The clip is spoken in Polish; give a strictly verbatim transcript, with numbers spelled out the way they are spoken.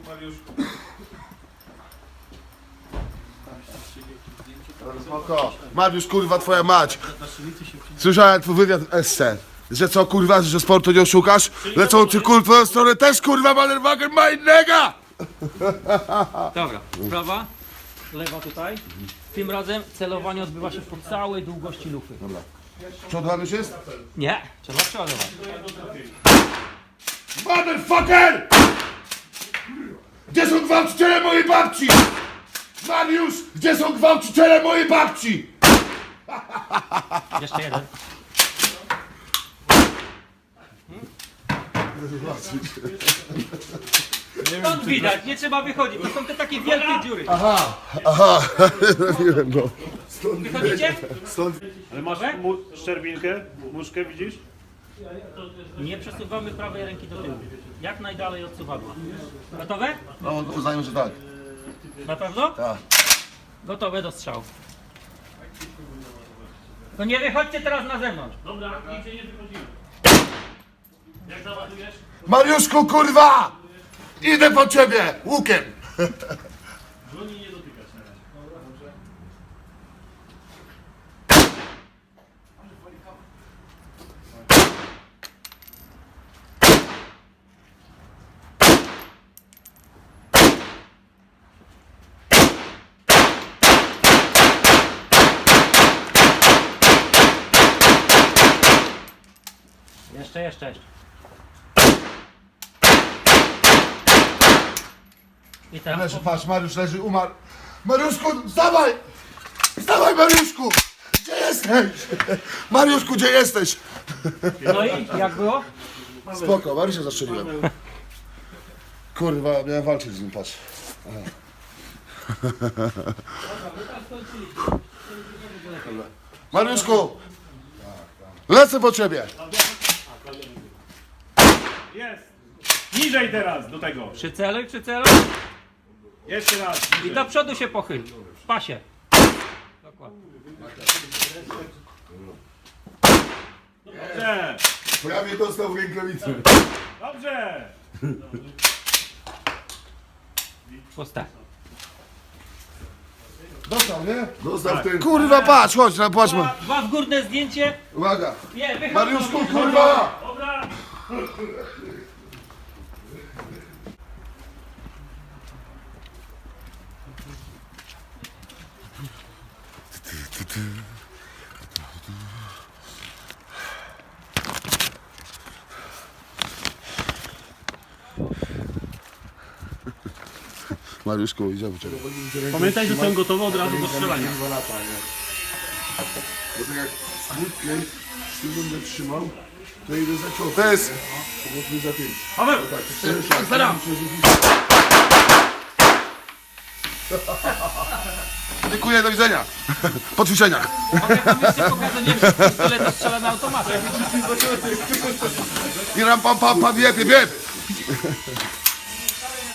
Spoko. Mariusz, kurwa, twoja mać. Słyszałem twój wywiad w Esse. Że co, kurwa, że sportu nie oszukasz? Lecą ci, kurwa, twoją stronę też, kurwa, Motherfucker ma innego! Dobra, prawa, lewa tutaj. Tym razem celowanie odbywa się po całej długości lufy. Dobra. Przodowany już jest? Nie, trzeba przeładować. Motherfucker! Gdzie są gwałciciele mojej babci? Mariusz, gdzie są gwałciciele mojej babci? Jeszcze jeden. Stąd widać, nie trzeba wychodzić, to są te takie wielkie dziury. Aha, aha, nie wiem, no. Wychodzicie? Stąd... Ale masz mu szczerbinkę, muszkę, widzisz? Nie przesuwamy prawej ręki do tyłu. Jak najdalej od suwadła. Gotowe? No, uznaję, że tak. Na pewno? Tak. Gotowe do strzału. To nie wychodźcie teraz na zewnątrz. Dobra, nigdzie nie wychodzimy. Jak załadujesz? Mariuszku, kurwa! Idę po ciebie, łukiem! Broni nie dotykać na razie. Jeszcze, jeszcze, jeszcze. I teraz. Leży, patrz, Mariusz leży, umarł. Mariuszku, wstawaj! Wstawaj, Mariuszku! Gdzie jesteś? Mariuszku, gdzie jesteś? No i jak było? Spoko, Mariusza zastrzeliłem. Kurwa, miałem walczyć z nim, patrz. Aha. Mariuszku! Lecę po ciebie! Jest! Niżej teraz do tego. Przyceluj, przyceluj. Jeszcze raz. I do przodu się pochyl. W pasie. Dokładnie. Dobrze. Prawie dostał w rękawicy. Dobrze. Pusta. Dostał, nie? Dostał w tym. Kurwa, patrz, chodź, no, patrz. Dwa, dwa w górne zdjęcie. Uwaga! Nie, wychodź. Mariuszku, kurwa! Dobra. Mariuszku, idziemy ciebie. Pamiętaj, że są gotowe od razu do strzelania. Bo tak jak z łódkiem z tym będę trzymał, to idę za ciosem. To jest... Powiedzmy za tym. Paweł! Tak, Staram! Dziękuję, do widzenia. Po ćwiczeniach. Mogę wam jeszcze pokazać, nie wiem, pistolet strzela na automacie. I ram pam pam pam, bieb, bieb.